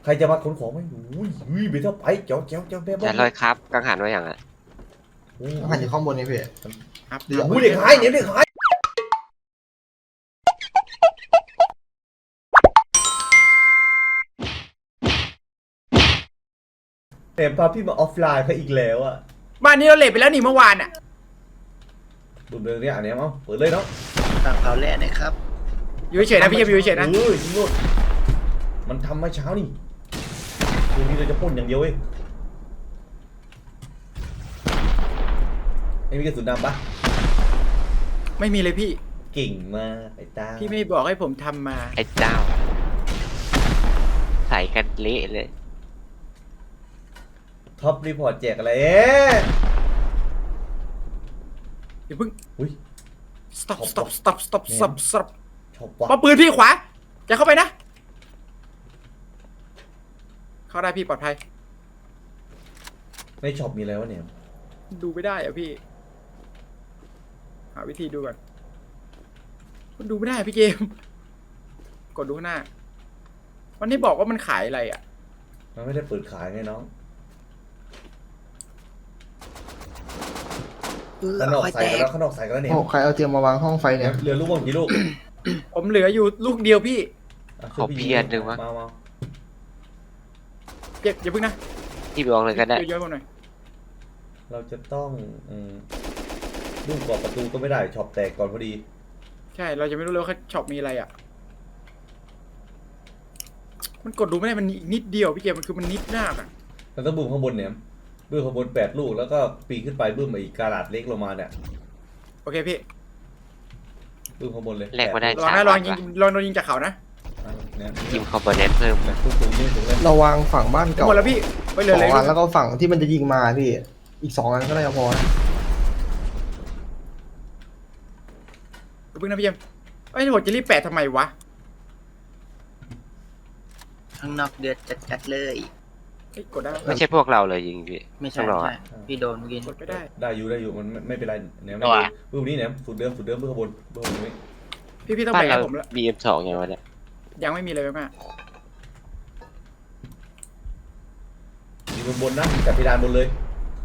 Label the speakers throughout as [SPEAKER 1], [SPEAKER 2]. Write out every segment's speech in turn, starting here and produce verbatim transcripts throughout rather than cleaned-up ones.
[SPEAKER 1] ใครจะมาขนของไหมอุ้ยอุ้ยไปเท่าไปเจ้าเจ้าเจ้าแม่บ้า
[SPEAKER 2] แต่ลอยครับกังหันไว้อย่างอ่ะ
[SPEAKER 3] หันอยู่ข้างบนนี่พี่
[SPEAKER 4] ครับ
[SPEAKER 3] เดี๋ยว
[SPEAKER 1] อุ้ยเด็กหายเนี่ยเด็กหายเต็มพาพี่มาออฟไลน์เขาอีกแล้วอ่ะ
[SPEAKER 4] บ้านนี้เราเลทไปแล้วนี่เมื่อวานอ่ะ
[SPEAKER 1] ดูเรื่องนี้อันนี้มั้งเปิดเลยเนาะ
[SPEAKER 3] ต่างเขาแร่นะครับ
[SPEAKER 4] อยู่เฉยๆนะพี่จะอยู่เฉยๆนะ
[SPEAKER 1] เออยิงโลดมันทำมาเช้านี่คืนนี้เราจะพ่นอย่างเดียวเองไม่มีกระสุนดำปะ
[SPEAKER 4] ไม่มีเลยพี่
[SPEAKER 1] เก่งมากไอ้ตา
[SPEAKER 4] พี่ไม่บอกให้ผมทำมา
[SPEAKER 2] ไอ้เจ้า ใส่กันเละเลย
[SPEAKER 1] ท็อปรีพอร์ตแจกอะไรเอ๊ะ
[SPEAKER 4] อย่าเพิ่ง
[SPEAKER 1] อุ้ย
[SPEAKER 4] stop stop stop stop stop stop
[SPEAKER 1] ชอบวะ
[SPEAKER 4] ปาปืนพี่ขวาจะเข้าไปนะ เข้าได้พี่ปลอดภัย
[SPEAKER 1] ในช็อปมีอะไรวะเนี่ย
[SPEAKER 4] ดูไม่ได้อะพี่ หาวิธีดูก่อนมันดูไม่ได้อะพี่เกม กดดูข้างหน้า วันนี้บอกว่ามันขายอะไรอ่ะ
[SPEAKER 1] มันไม่ได้เปิดขายไงน้องข้างนอกใส่กันแล้วข้างนอกใส่กันแล้วเนี่ย
[SPEAKER 3] โอ้ใครเอาเตรียมมาวางห้องไฟเนี่ย
[SPEAKER 1] เหลือลูกบอลกี่ลูก
[SPEAKER 4] ผมเหลืออยู่ลูกเดียวพี่
[SPEAKER 1] ะ
[SPEAKER 2] ขอเพียรหนึ่งวะ
[SPEAKER 1] มามา
[SPEAKER 4] อย่าอย่าเพิ่งนะ
[SPEAKER 2] ที่บอกเลยก็ได้
[SPEAKER 4] เยอะๆผมหน่อย
[SPEAKER 1] เราจะต้องอืมลูกกรอบประตูก็ไม่ได้ช็อปแตกก่อนพอดี
[SPEAKER 4] ใช่ เราจะไม่รู้เลยว่าช็อปมีอะไรอ่ะ มันกดดูไม่ได้มันนิดเดียวพี่เกมมันคือมันนิดมากอ่ะ
[SPEAKER 1] เราต้องบึ้มข้างบนเนี่ยบึ้มข้างบนแปดลูกแล้วก็ปีนขึ้นไปบึ้มมาอีกกาลาดเล็กลงมาเนี่ย
[SPEAKER 4] โอเคพี่
[SPEAKER 1] บึ้มข้างบนเลย
[SPEAKER 2] แลกมาได้
[SPEAKER 4] ลองนะลองยิงลองโดนยิงจากเขานะ
[SPEAKER 1] อ่ะเนี่ย
[SPEAKER 2] ยิมคอมโพเนนต์เพิ่ม
[SPEAKER 1] เนี่ยทุกตัวยิงถึงเลย
[SPEAKER 3] เราวางฝั่งบ้านเก่า
[SPEAKER 4] หมดแล้วพี่ไปเล
[SPEAKER 3] ส
[SPEAKER 4] ย
[SPEAKER 3] อง
[SPEAKER 4] เลย
[SPEAKER 3] อันแล้วก็ฝั่งที่มันจะยิงมาพี่ อีกสองอันก็น่าจะพอนะ
[SPEAKER 4] เพิ่งนะพี่เกมเอ้ยผมจะรีบแปะทำไมวะ
[SPEAKER 5] ข้างนอกเดือดจัดๆเลย
[SPEAKER 4] เฮ้ยกดได้ปะ
[SPEAKER 2] ไม่ใช่พวกเราเลยยิงพี่
[SPEAKER 5] ไม่ใช่
[SPEAKER 2] ต้องรอ
[SPEAKER 5] ไม่
[SPEAKER 2] อะ
[SPEAKER 5] ใช่พี่โดนเมื่อกี้
[SPEAKER 4] กดไม่ได้
[SPEAKER 1] ได้อยู่ได้อยู่มันไม่ไม่เป็นไรเนี่ยไม่
[SPEAKER 5] ตัว
[SPEAKER 1] บึ้มนี้เนี่ยสุดเดิมสุดเดิมบึ้มข้างบนบึ้มข้างบนนี้
[SPEAKER 4] พี่พี่ต้อง
[SPEAKER 2] บ้าน
[SPEAKER 4] แบ่ง
[SPEAKER 2] เรา
[SPEAKER 4] ให้ผมละ
[SPEAKER 2] บีเอ็มสองไงวะเนี่ย
[SPEAKER 4] ยังไม่มีเลยมาก
[SPEAKER 1] ยิงบนบนนะจับเพดานบนเลย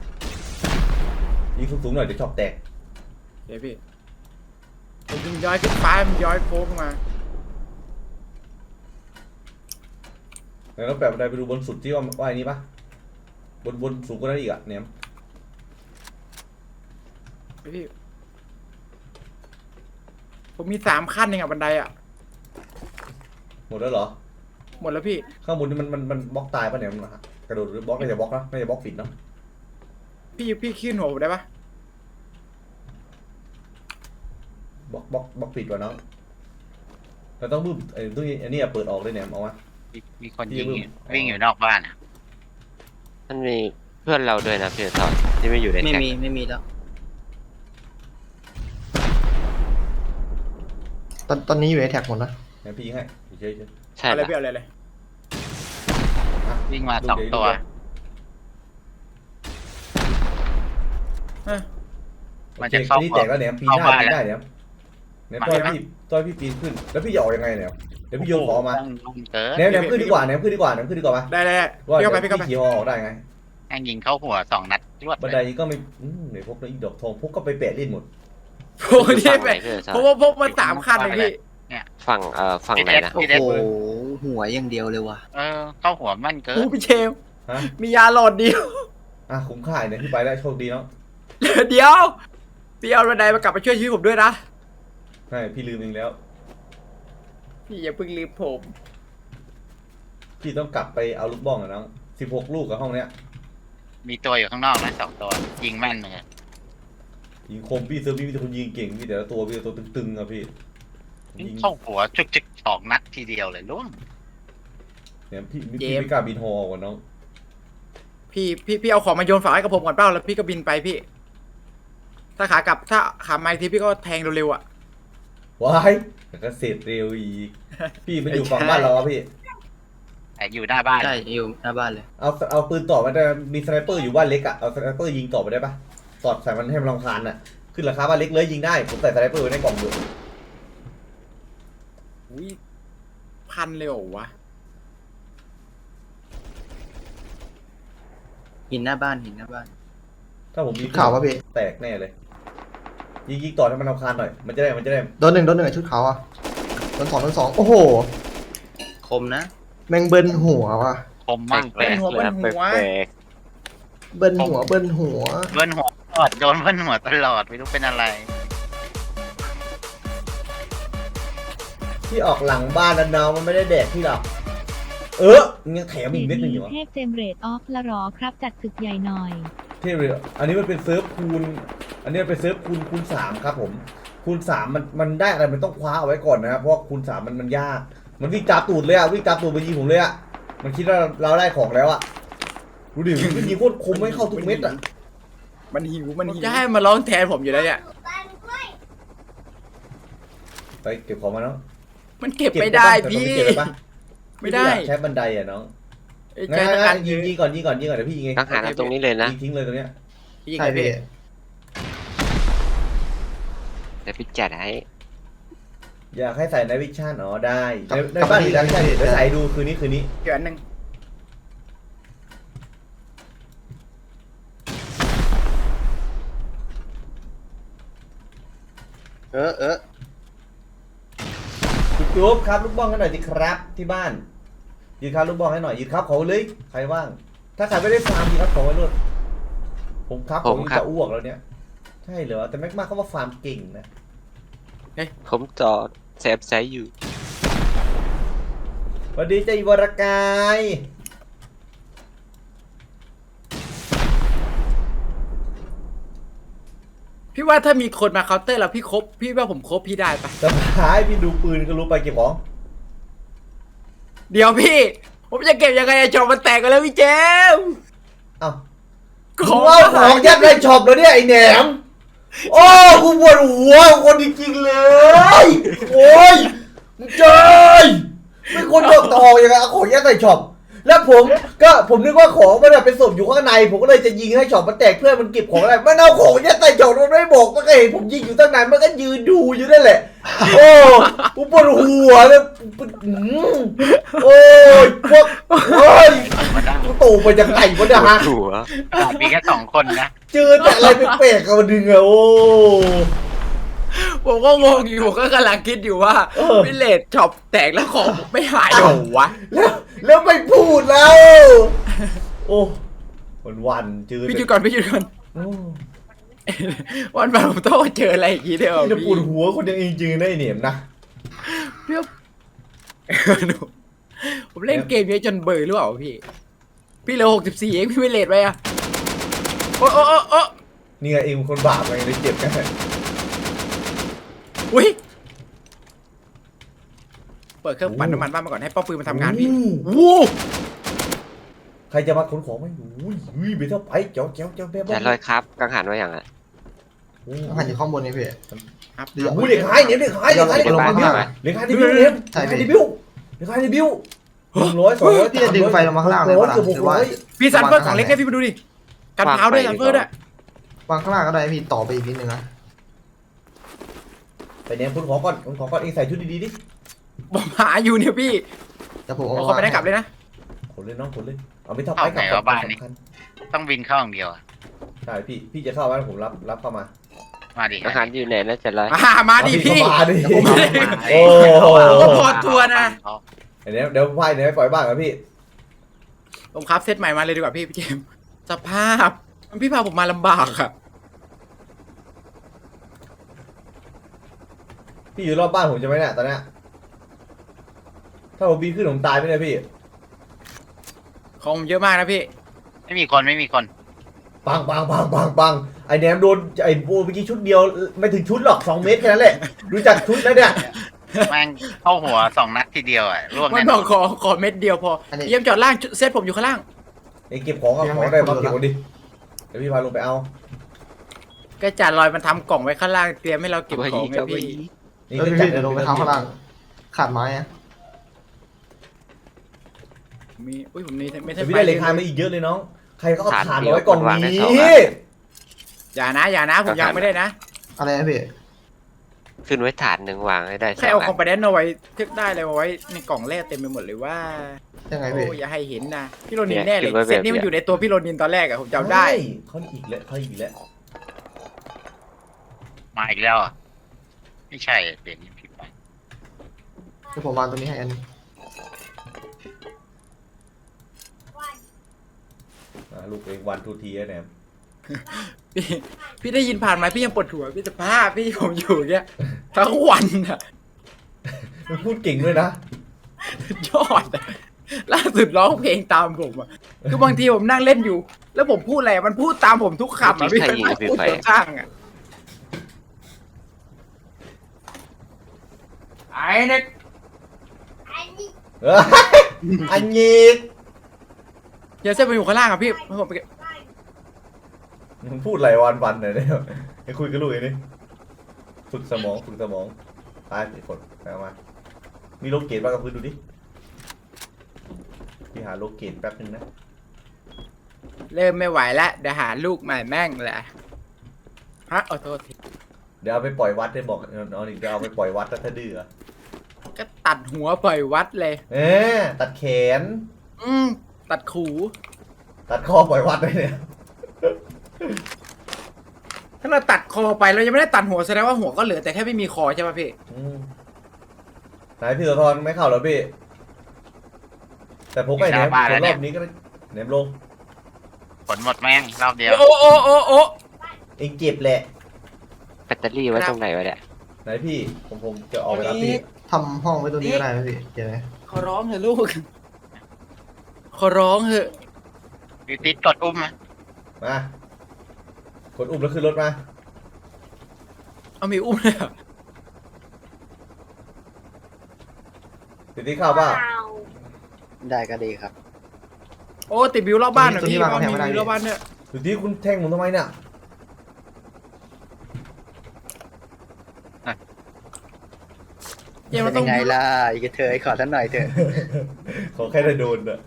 [SPEAKER 1] ยิงสูงๆหน่อยเดี๋ยวช็อปแตก
[SPEAKER 4] เดี๋ยวพี่ผมยิงย้อยขึ้นฟ้ามันย้อยโค้งขึ้นมา
[SPEAKER 1] แล้วแปะบันไดไปดูบนสุดที่ว่าว่าไอ้นี้ปะบนบนสูงกว่านั้นอีกอะเนี่ย
[SPEAKER 4] เฮ้ยพี่ผมมีสามขั้นเองอะบันไดอะ
[SPEAKER 1] หมดแล้วเหรอ
[SPEAKER 4] หมดแล้วพี่
[SPEAKER 1] ข้างบนนี่มันมันมันบล็อกตายปะเนี่ยมันกระโดดหรือบล็อกไม่ใช่บล็อกนะไม่ใช่บล็อกปิดเนาะ
[SPEAKER 4] พี่พี่ขึ้นหัวผมได้ปะ
[SPEAKER 1] บล็อกบล็อกบล็อกปิดวะน้องเราต้องบึ้มไอ้ตู้นี้อันนี้อะเปิดออกเลยเนี่ยเอาวะ
[SPEAKER 5] มีมีคนยิงอยู่วิ่งอยู่นอกบ้านอ่ะ
[SPEAKER 2] มันมีเพื่อนเราด้วยนะพี่ทอดที่ไม่อยู่ใน
[SPEAKER 5] ไม่
[SPEAKER 2] แท็ก
[SPEAKER 5] มีไม่มีแล้ว
[SPEAKER 3] ตอนตอนนี้อยู่ในแท็กหมดนะ
[SPEAKER 1] งั้นพี่ยิงให้เฉยๆ
[SPEAKER 2] ใช่
[SPEAKER 4] อะไร
[SPEAKER 2] ปะ
[SPEAKER 4] พี่เอาอะไรเลย
[SPEAKER 5] วิ่งมาสองตัว
[SPEAKER 4] ฮะ
[SPEAKER 5] มันจะเข้า
[SPEAKER 1] โอคนี่แตกแล้วเนี่ยปีนหน้า
[SPEAKER 5] เข้าบ้าน
[SPEAKER 1] ปีนได้เนี่ยเนี่ยต้อยพี่ต้อยพี่ปีนขึ้น แล้วพี่จะออกยังไงเนี่ยเดี๋ยวพี่โยนของมา
[SPEAKER 5] ต้องลุมเกิน
[SPEAKER 1] เนี่ยเนี่ยขึ้นดีกว่าเนี่ยขึ้นดีกว่าเนี่ยขึ้นดีกว่าปะ
[SPEAKER 4] ได้ได้ได้
[SPEAKER 1] ว่า
[SPEAKER 4] พี่
[SPEAKER 1] เดี๋ยว
[SPEAKER 4] เข้าไปพี่เข้าไป
[SPEAKER 1] พี่ขี่ฮอออกได้ไง
[SPEAKER 5] แม่งยิงเข้าหัวสองนัดรวด
[SPEAKER 1] บันไดก็ไม่อืมเดี๋ยวพกแล้วอีดอกทองพกก็ไปแปะเล่นหมด
[SPEAKER 4] โอ้ยนี่
[SPEAKER 2] ฝั่ง
[SPEAKER 4] ไป
[SPEAKER 2] ไหนพี่ทอ
[SPEAKER 4] เพ
[SPEAKER 2] ด
[SPEAKER 4] ราะว่าพกมาสามขั้นเลยพี่
[SPEAKER 2] ฝั่งเอ่อฝั่งไหนนะ
[SPEAKER 5] พี่
[SPEAKER 3] โอ้
[SPEAKER 5] เด็ด
[SPEAKER 3] โหหัวอย่างเดียวเลยว่ะ
[SPEAKER 5] เออเข้าหัวมั่นเกิ
[SPEAKER 4] โอ้
[SPEAKER 5] น
[SPEAKER 4] พี่เชม
[SPEAKER 1] ฮะ
[SPEAKER 4] มียาหลอดเดียว
[SPEAKER 1] อ่ะคุ้มค่าเนี่ยที่ไปได้โชคดีเนาะ
[SPEAKER 4] เดี๋ยวพี่เอาบันไดมากลับมาช่วยชีวิตผมด้วยนะ
[SPEAKER 1] ใช่พี่ลืมเองแล้ว
[SPEAKER 4] พี่อย่าเพิ่งลืมผม
[SPEAKER 1] พี่ต้องกลับไปเอาลูกบ้องอะน้องสิบหกลูกกับห้องเนี้ย
[SPEAKER 5] มีตัวอยู่ข้างนอกนะสองตัวยิงแม่นเลย
[SPEAKER 1] ยิงคมพี่เซอร์พี่มีแต่คนยิงเก่งพี่แต่ละตัวพี่แต่ตัวตึงๆอะพี่ยิง
[SPEAKER 5] เข้าหัวจุกจิกสองนัดทีเดียวเลยล่วง
[SPEAKER 1] เนี่ยพี่พี่ไม่กล้าบินฮอก่อนน้อง
[SPEAKER 4] พี่พี่พี่เอาของมาโยนฝากให้กับผมก่อนเปล่าแล้วพี่ก็บินไปพี่ ถ้าขากลับถ้าขามาอีกทีพี่ก็แทงเร็วๆอ่ะ
[SPEAKER 1] ว้ายแต่ก็เสร็จเร็วอีก พี่มันอยู่ฝั่งบ้านเราอะพี่
[SPEAKER 5] แต่อยู่หน้าบ้าน
[SPEAKER 6] ใช่อยู่หน้าบ้านเลย
[SPEAKER 1] เอาเอาปืนต่อมาได้มีสไนเปอร์อยู่บ้านเล็กอะเอาสไนเปอร์ยิงต่อไปได้ปะสอดใส่มันให้มันรำคาญอะขึ้นราคาบ้านเล็กเลยยิงได้ผมใส่สไนเปอร์ไว้ในกล่องอยู่
[SPEAKER 4] อุ้ยพันเลยเหรอวะ
[SPEAKER 6] หินหน้าบ้านหินหน้าบ้าน
[SPEAKER 1] ถ้าผมมี
[SPEAKER 3] ข่าวป่ะพี่
[SPEAKER 1] แตกแน่เลยยิงยิงต่อให้มันรำคาญหน่อยมันจะได้มันจะได้
[SPEAKER 3] โดนหนึ่งโดนหนึ่งอะชุดขาวอ่ะโดนสองโดนสองโอ้โห
[SPEAKER 6] คมนะ
[SPEAKER 3] แมงเบิ้ลหัวว่ะ
[SPEAKER 5] ผมมั่ง
[SPEAKER 2] แปลกๆเลยนะแปลก
[SPEAKER 3] เบิ้ลหัวเบิ้ลหัว
[SPEAKER 5] เบิ้ลหัวตลอดโดนเบิ้ลหัวตลอดไม่รู้เป็นอะไร
[SPEAKER 1] ที่ออกหลังบ้านแล้วน้องมันไม่ได้แดกที่หรอกเออยังแถมอีกเม็ดหนึงอยู่วะ
[SPEAKER 7] เทพเจมเรตออฟละหรอครับจัดศึกใหญ่หน่อย
[SPEAKER 1] ที่เรืออันนี้มันเป็นเซิร์ฟคูณอันนี้มันเป็นเซิร์ฟคูณคูณสามครับผมคูณสามมันมันได้อะไรมันต้องคว้าเอาไว้ก่อนนะครับเพราะว่าคูณสามมันมันยากมันวิ่งตามตูดเลยอะวิ่งตามตูดไปยิงผมเลยอะมันคิดว่าเราได้ของแล้วอะดูดิมันยิงโคตรคมไม่เข้าทุกเม็ดอะ
[SPEAKER 4] มันหิวมันหิวจะให้มาร้องแทนผมอยู่แล้วเนี่ย
[SPEAKER 1] ไปเก็บของมาเนาะ
[SPEAKER 4] มันเก็บไม่ได้พี่
[SPEAKER 1] เก็บได้ปะ
[SPEAKER 4] ไม่ได้
[SPEAKER 1] อยากใช้บันไดอะน้อง
[SPEAKER 4] ไอ้
[SPEAKER 1] งั้
[SPEAKER 4] ใจ
[SPEAKER 1] น
[SPEAKER 4] ทหาร
[SPEAKER 1] ๆยิงยิงก่อนยิงก่อนยิงก่อนเดี๋ยวพี่ยิงเอง
[SPEAKER 2] ๆต้องหาเอาตรงนี้เลยนะ
[SPEAKER 1] ยิงทิ้งเลยตรงเนี้ย
[SPEAKER 4] พี่ยิง
[SPEAKER 3] ใช่
[SPEAKER 4] ไง
[SPEAKER 3] พี่
[SPEAKER 4] พี่
[SPEAKER 2] เดี๋ยวพี่จัดให้
[SPEAKER 1] อยากให้ใส่ในวิชั่นอ๋อได้
[SPEAKER 3] กลั
[SPEAKER 1] ใน
[SPEAKER 3] บ
[SPEAKER 1] ใน
[SPEAKER 3] กลับ
[SPEAKER 1] บ้าน
[SPEAKER 3] มา
[SPEAKER 1] มี
[SPEAKER 3] ดี
[SPEAKER 1] ในวิชั่น
[SPEAKER 3] ได้
[SPEAKER 1] เดี๋ยวใส่ดูคืนนี้คืนนี้
[SPEAKER 4] เดี๋ยวอันหนึ่ง
[SPEAKER 6] เออเออ
[SPEAKER 1] จุ๊บจุ๊บครับลูกบ้องให้หน่อยสิครับที่บ้านยืนครับลูกบ้องให้หน่อยยืนครับเขาเลยใครว่าง ถ้าใครไม่ได้ฟาร์มยืนครับเขาไว้เลยผมครับผมจะอ้วกแล้วเนี่ยใช่เหรอแต่แม็กมาเขาว่าฟาร์มเก่งนะ
[SPEAKER 2] ผมจอดแซฟไซส์อยู่
[SPEAKER 1] สวัสดีเจ้าอีวรกาย
[SPEAKER 4] พี่ว่าถ้ามีคนมาเคาน์เตอร์แล้วพี่ครบพี่ว่าผมครบพี่ได้ปะ
[SPEAKER 1] สบายพี่ดูปืนก็รู้ไปเก็บของ
[SPEAKER 4] เดี๋ยวพี่ ผมจะเก็บยังไงอะจอมันแตกกันแล้วพี่เจมส์
[SPEAKER 1] เอ้า
[SPEAKER 4] ข
[SPEAKER 1] ข
[SPEAKER 4] อ
[SPEAKER 1] อง งว่าของยัดในช็อปแล้วเนี่ยไอ้แหนมโอ้กูปวดหัวคนจริงๆเลยโอ้ยมึงเจยไม่คนดอกตองยังไงเอาของยัดใส่ช็อปแล้วผมก็ผมนึกว่าของมันเป็นศพอยู่ข้างในผมก็เลยจะยิงให้ช็อปมันแตกเพื่อมันเก็บของอะไรมันเอาของยัดใส่ช็อปมันไม่บอกมันก็เห็นผมยิงอยู่ตั้งนานมันก็ยืนดูอยู่นั่นแหละโอ้กูปวดหัวเลยอืมโอ้ยพวกโอ้ย
[SPEAKER 5] มาได้
[SPEAKER 1] กูตู่ไปจากไหนวะเนี่ยฮะ
[SPEAKER 2] หัว
[SPEAKER 5] มีแค่สองคนนะ
[SPEAKER 1] เจอแต่อะไรแปลกๆกับมันดึงอะโอ้
[SPEAKER 4] ผมก็งงอยู่ผมก็กำลังคิดอยู่ว่า
[SPEAKER 1] เออ
[SPEAKER 4] พี่เลดช็อปแตกแล้วของไม่หายเหรอวะ
[SPEAKER 1] แล้วแล้วไม่พูดแล้ว โอ้วันวันๆเจอ
[SPEAKER 4] พี่หยุดก่อนพี่หยุดก่อน
[SPEAKER 1] โอ้
[SPEAKER 4] วันวันผมต้องมาเจออะไรอย่างงี้เด้อ
[SPEAKER 1] นี่จะปว
[SPEAKER 4] พี่
[SPEAKER 1] ดหัวคนยังเองจริงๆนะไอ้เหนียมนะ
[SPEAKER 4] พี่ว่าหนูผมเล่นเกมเยอะจนเบื่อหรือเปล่าพี่ พี่เหลือหกสิบสี่เองพี่ไม่เลดไปอะโอ้โอ้โอ้โอ้
[SPEAKER 1] นี่ไงเองเป็นคนบาปไงเลยเจ็บกัน
[SPEAKER 4] อุ้ยเปิดเครื่องปั่นน้ำมันบ้านมาก่อนให้ป้อมปืนมาทำงานพี่
[SPEAKER 1] โอ้
[SPEAKER 4] วู้
[SPEAKER 1] ใครจะมาขนของไหมอุ้ยอุ้ยไปเท่าไปเจ้าเจ้าเจ้าแม่
[SPEAKER 2] จัดเลยครับกังหันไว้อย่างอ่ะ
[SPEAKER 1] โอ้
[SPEAKER 3] หันอยู่ข้างบนนี่พี่
[SPEAKER 4] ครับ
[SPEAKER 3] เดี๋ยว
[SPEAKER 1] โหเด็กหายเหนียมเด็กหายเด็กหาย
[SPEAKER 3] เดี๋
[SPEAKER 1] เด็
[SPEAKER 3] ยว
[SPEAKER 1] ก
[SPEAKER 3] ลง
[SPEAKER 1] หาย
[SPEAKER 3] มา
[SPEAKER 1] เด็กหายเด็กหายเด็กหายเด็กหายเด็ก
[SPEAKER 3] ใช่
[SPEAKER 1] หาย
[SPEAKER 3] พี่
[SPEAKER 1] เด็กบิวเด็กหายเด็กบิวหนึ่งร้อยสองร้อย
[SPEAKER 3] พี่จะดึงไฟลงมาข้างล่างเลย
[SPEAKER 1] ร้อย
[SPEAKER 3] ปะล่ะ
[SPEAKER 1] เกือบห
[SPEAKER 3] ห
[SPEAKER 1] ก
[SPEAKER 3] รือ
[SPEAKER 1] ร้
[SPEAKER 3] ว่า
[SPEAKER 1] อย
[SPEAKER 4] พี่ซันเฟอร์ของเล็กให้พี่มาดูดิกันเท้าด้วยซันเฟอร์ด้วย
[SPEAKER 3] วางข้างล่างก็ได้พี่ต่อไปอีกนิดนึงนะ
[SPEAKER 1] ไปเนี่ยขนของก่อนขนของก่อนเองใส่ชุดดีๆดิ
[SPEAKER 4] ผมหาอยู่เนี่ยพี่
[SPEAKER 3] แต่ผม
[SPEAKER 4] เอา
[SPEAKER 3] เอา
[SPEAKER 4] เขาไปได้กลับเลยนะ
[SPEAKER 1] ขนเลยน้องขนเลยเอาไปเท่าไปกลับก่อนสำคัญ
[SPEAKER 5] ต้องบินเข้าอย่างเดียวอะ
[SPEAKER 1] ใช่พี่พี่จะเข้าไหมผมรับรับเข้ามา
[SPEAKER 5] มาดิ
[SPEAKER 2] กังหันอยู่ไหนนะจัดเลย
[SPEAKER 4] อ่ามาดิพี่
[SPEAKER 1] เอามาดิ
[SPEAKER 4] ผมไม่ได้
[SPEAKER 1] โอ้
[SPEAKER 4] ผมก็พอตัวนะ
[SPEAKER 1] เดี๋ยวเดี๋ยวไพ่เดี๋ยวให้ปล่อยบ้างครับพี่
[SPEAKER 4] ผมครับเซตใหม่มาเลยดีกว่าพี่พี่เจมส์สภาพมันพี่พาผมมาลำบากอะ
[SPEAKER 1] พี่อยู่รอบบ้านผมจะไหมเนี่ยตอนเนี้ยถ้าผมบีนขึ้นผมตายไหมเนี่ยพี่
[SPEAKER 4] ของผมเยอะมากนะพี่
[SPEAKER 5] ไม่มีคนไม่มีคน
[SPEAKER 1] ปังปังปังปังปังไอแหนมโดนไอโบเมื่อกี้ชุดเดียวไม่ถึงชุดหรอกสองเมตรแค่นั้นแหละรู้จักชุดแล้วเนี่ย
[SPEAKER 5] แม่งเข้าหัวสองนัดทีเดียวอ่ะร่วง
[SPEAKER 4] มัน
[SPEAKER 5] แน่
[SPEAKER 4] บ
[SPEAKER 5] น
[SPEAKER 4] อ
[SPEAKER 5] อก น
[SPEAKER 4] ขอขอเม็ดเดียวพอเยี่ยมจอดล่างเซตผมอยู่ข้างล่าง
[SPEAKER 1] ไอเก็บของเอาของได้มาเก็บคนดิเดี๋ยวพี่พาลงไปเอา
[SPEAKER 4] ก็จ่าลอยมันทำกล่องไว้ข้างล่างเตรียมให้เราเก็บ
[SPEAKER 2] ไว้
[SPEAKER 4] ของ
[SPEAKER 2] อีก
[SPEAKER 4] ไง
[SPEAKER 2] เอาไว้
[SPEAKER 4] พี่
[SPEAKER 2] อีก
[SPEAKER 1] นี่
[SPEAKER 3] เออ
[SPEAKER 1] ก็
[SPEAKER 3] พี่
[SPEAKER 1] จัด
[SPEAKER 3] เดี๋ยวลงไปเท้าข้างล่างขาดไม้อะ
[SPEAKER 4] มีอุ้ยผมนี่ไม่ใช่
[SPEAKER 1] แต่พี่ได้เหล็กคานมาอีกเยอะเลยน้องใครก็เอา
[SPEAKER 2] ฐาน
[SPEAKER 1] ถ่าน
[SPEAKER 2] เดียว
[SPEAKER 1] มาไว้กล่อง
[SPEAKER 2] วางใน
[SPEAKER 1] นี้
[SPEAKER 2] เสาอะ
[SPEAKER 4] อย่านะอย่านะผมยังไม่ได้นะ
[SPEAKER 3] อะไรนะพี่
[SPEAKER 2] ขึ้นไว้ฐานหนึ่งวางให้ได้ส
[SPEAKER 4] แค่
[SPEAKER 2] อง
[SPEAKER 4] เอา
[SPEAKER 2] อั
[SPEAKER 4] คอม
[SPEAKER 2] น
[SPEAKER 4] ไปแดนเอาไว้ทึกได้เลยเอาไว้ในกล่องแร่เต็มไปหมดเลยว่า
[SPEAKER 3] ยังไง
[SPEAKER 4] โอ้
[SPEAKER 3] พี่
[SPEAKER 4] อย่าให้เห็นนะพี่โรนินแน่เลยเซตนี้มันอยู่ในตัวพี่โรนินตอนแรกอะผมจำได้
[SPEAKER 1] เฮ้ยเขาอีกแล้วเขาอีกแล้ว
[SPEAKER 5] มาอีกแล้วอ่ะไม่ใช่เปลี่ยนนี่ผิดไป
[SPEAKER 3] เดี๋ยวผมวางตรงนี้ให้อันนึง
[SPEAKER 1] อ่ะลูกเองวันทูทีแหนม
[SPEAKER 4] พี่พี่ได้ยินผ่านไหมพี่ยังปวดหัวพี่จะพาพี่ผมอยู่เนี้ยทั้งวันอะ
[SPEAKER 1] มันพูดเก่งด้วยนะ
[SPEAKER 4] ยอดอะล่าสุดร้องเพลงตามผมอะคือบางทีผมนั่งเล่นอยู่ แล้วผมพูดอะไรมันพูดตามผมทุกคำอะพี่มันพูดข้างๆอะไอ้เนี่ย
[SPEAKER 1] เอออันยีก
[SPEAKER 4] เดี๋ยวเส้นไปอยู่ข้างล่างอะพี่ให้ผมไป
[SPEAKER 1] มึงพูดอะไรวันวันๆหน่อยเนี่ยไอ้คุยกับลูกไอ้นี่ฝึกสมองฝึกสมองตายไปกดไปเอามามีโลเกตบ้างกับพื้นดูดิพี่หาโลเกตแป๊บนึงนะ
[SPEAKER 4] เริ่มไม่ไหวแล้วเดี๋ยวหาลูกใหม่แม่งแหละฮะขอโทษที
[SPEAKER 1] เดี๋ยวเอาไปปล่อยวัดได้บอกน้องนี่จะเอาไปปล่อยวัดถ้าดื้อ
[SPEAKER 4] ก็ตัดหัวปล่อยวัดเลย
[SPEAKER 1] เออตัดแขน
[SPEAKER 4] อืมตัดขู
[SPEAKER 1] ตัดคอปล่อยวัดเลยเนี่ย
[SPEAKER 4] ถ้าเราตัดคอไปเรายังไม่ได้ตัดหัวแสดงว่าหัวก็เหลือแต่แค่ไม่มีคอใช่ป่ะพี่
[SPEAKER 1] อืมไหนพี่โสธรไม่เข้าเหรอพี่ แต่ผมไปแหนมรอบนี้ก็ได้แหนมลง
[SPEAKER 5] ผลหมดแม่งรอบเดียว
[SPEAKER 4] โอ้โอ้โอ้โอ้
[SPEAKER 1] เองเจ็บแหละ
[SPEAKER 2] แบตเตอรี่ไว้ตรงไหนวะเนี่ย
[SPEAKER 1] ไหนพี่ผมผมจะออกไปรับพี่
[SPEAKER 3] ทำห้องไว้ตรงนี้ก็ได้นะพี่เดี๋ยวนะ
[SPEAKER 4] ขอร้องเถอะลูก ขอร้องเถอะ
[SPEAKER 5] วิติดกดอุ้มไหม
[SPEAKER 1] มากดอุ้มแล้วขึ้นรถมา
[SPEAKER 4] เอามีอุ้มเลยเหรอ
[SPEAKER 1] ติดที่เข้าเปล่า
[SPEAKER 6] ได้ก็ดีครับ
[SPEAKER 4] โอ้ติดบิวรอบบ้านหน่อยพี่เอามีบิวรอบบ้านเนี่ย
[SPEAKER 1] ติดที่คุณแทงผมทำไมเนี่ย
[SPEAKER 4] เกมเรา
[SPEAKER 6] เป็
[SPEAKER 4] ต้อง
[SPEAKER 6] นไงล่ะ อีกเธอขอท่านหน่อยเถอะ
[SPEAKER 1] ขอแค่ได้โดนอะ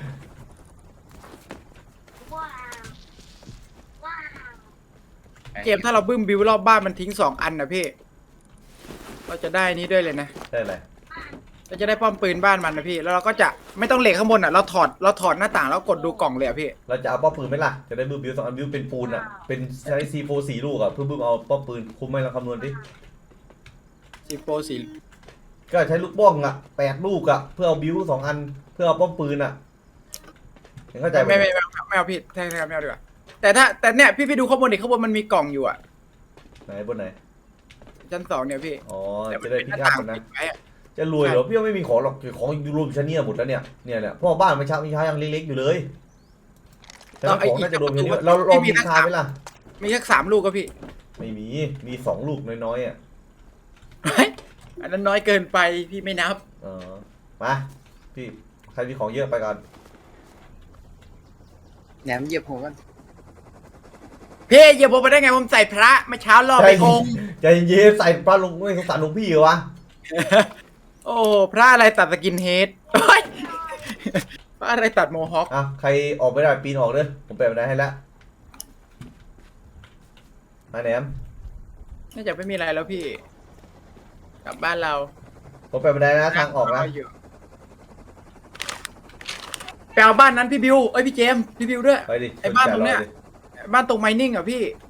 [SPEAKER 4] เกมถ้าเราบึ้มบิวรอบบ้านมันทิ้งสองอันนะพี่ เราจะได้นี้ด้วยเลยนะ
[SPEAKER 1] ได้เลย
[SPEAKER 4] เราจะได้ป้อมปืนบ้านมันนะพี่ แล้วเราก็จะไม่ต้องเหล็กข้างบนอ่ะ เราถอด เราถอดหน้าต่างแล้วกดดูกล่องเลยอ่ะพี่
[SPEAKER 1] เราจะเอาป้อมปืนไหมล่ะ จะได้บึ้มบิวสองอันบิวเป็นปูนอะเป็นใช้ซีโฟสี่ลูกอะเพื่อบึ้มเอาป้อมปืนคุ้มไหมเราคำนวณดิ
[SPEAKER 4] สีโปสี
[SPEAKER 1] ก็ใช้ลูกบ้องอะแปดลูกอะเพื่อเอาบิวสองอันเพื่อเอาป้อมปืนอะเห็นเข้าใจไหม
[SPEAKER 4] ไม่ไม่ไม่ไม่ไม่เอาพี่แทงแทงไม่เอาดีกว่า แต่ถ้าแต่เนี่ยพี่พี่ดูข้างบนดิข้างบนมันมีกล่องอยู่อ่ะ
[SPEAKER 1] ไหนบนไหน
[SPEAKER 4] ชั้นสองเนี่ยพี่
[SPEAKER 1] อ๋อ
[SPEAKER 4] แต่มั
[SPEAKER 1] จะ
[SPEAKER 4] น
[SPEAKER 1] ได้
[SPEAKER 4] เป็นห
[SPEAKER 1] พิ
[SPEAKER 4] น้า
[SPEAKER 1] ฆาต
[SPEAKER 4] ต่าง
[SPEAKER 1] มันนะ
[SPEAKER 4] ปิดไว้อะ
[SPEAKER 1] จะรวยเหรอพี่ว่าไม่มีของหรอกของอยู่รวมชั้นเนี่ยหมดแล้วเนี่ยเนี่ยเนี่ยพ่อบ้านมันเช้ามีเช้ายังเล็กๆอยู่เลยแต่ของน่าจะรวมอยู่นี่เราลองมีคาไหมล่ะ
[SPEAKER 4] มีแค่สามลูกก็พี่
[SPEAKER 1] ไม่มีมีสองลูกน้อยๆอ่ะ
[SPEAKER 4] เฮ้ยอันนั้นน้อยเกินไปพี่ไม่นับ
[SPEAKER 1] เออมาพี่ใครมีของเยอะไปก่อน
[SPEAKER 6] แหนมเหยียบหัวกัน
[SPEAKER 4] พี่อย่าบอกไปได้ไงผมใส่พระเมื่อเช้ารอบไปองค์
[SPEAKER 1] ใจเย็นใส่ปลาลงไม่สงสารหลวงพี่เหรอวะ
[SPEAKER 4] โอ้พระอะไรตัดสกินเฮดเฮ้ยพระอะไรตัดโมฮอค
[SPEAKER 1] อ่ะใครออกไม่ได้ปีนออกเด้อผมแปลบันไดให้แล้วมาแหนม
[SPEAKER 4] น่าจะไม่มีอะไรแล้วพี่ กลับบ้านเรา
[SPEAKER 1] ผมแปลบันไดนะทางออกนะ
[SPEAKER 4] ไปเอาบ้านนั้นพี่บิวเอ้ยพี่เจมส์พี่บิวด้วย
[SPEAKER 1] ไปดิ
[SPEAKER 4] ไอ้บ้านตรงเนี้ย
[SPEAKER 1] ดิ
[SPEAKER 4] บ้านตรงไมนิ่งอ่ะพี่